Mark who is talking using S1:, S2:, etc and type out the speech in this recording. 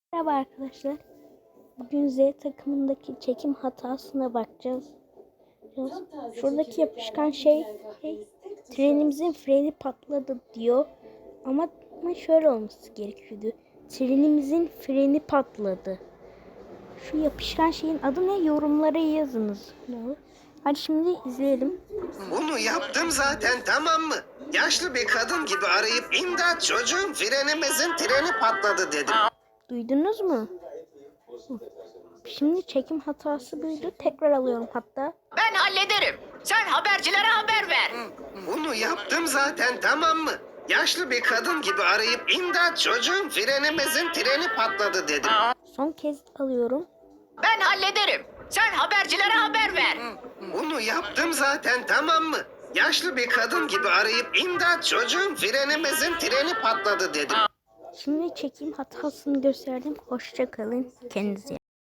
S1: Merhaba arkadaşlar. Bugün Z takımındaki çekim hatasına bakacağız. Şuradaki yapışkan şey trenimizin freni patladı diyor. Ama şöyle olması gerekiyordu. Trenimizin freni patladı. Şu yapışkan şeyin adı ne? Yorumlara yazınız. Hadi şimdi izleyelim.
S2: Bunu yaptım zaten, tamam mı? Yaşlı bir kadın gibi arayıp imdat çocuğum frenimizin treni patladı dedim.
S1: Duydunuz mu? Şimdi çekim hatası buydu. Tekrar alıyorum hatta.
S3: Ben hallederim. Sen habercilere haber ver.
S2: Bunu yaptım zaten, tamam mı? Yaşlı bir kadın gibi arayıp imdat çocuğum frenimizin treni patladı dedim.
S1: Son kez alıyorum.
S3: Ben hallederim. Sen habercilere haber ver.
S2: Bunu yaptım zaten, tamam mı? Yaşlı bir kadın gibi arayıp imdat çocuğum frenimizin treni patladı dedim.
S1: Şimdi çekim hatasını gösterdim. Hoşça kalın. Kendinize iyi bakın.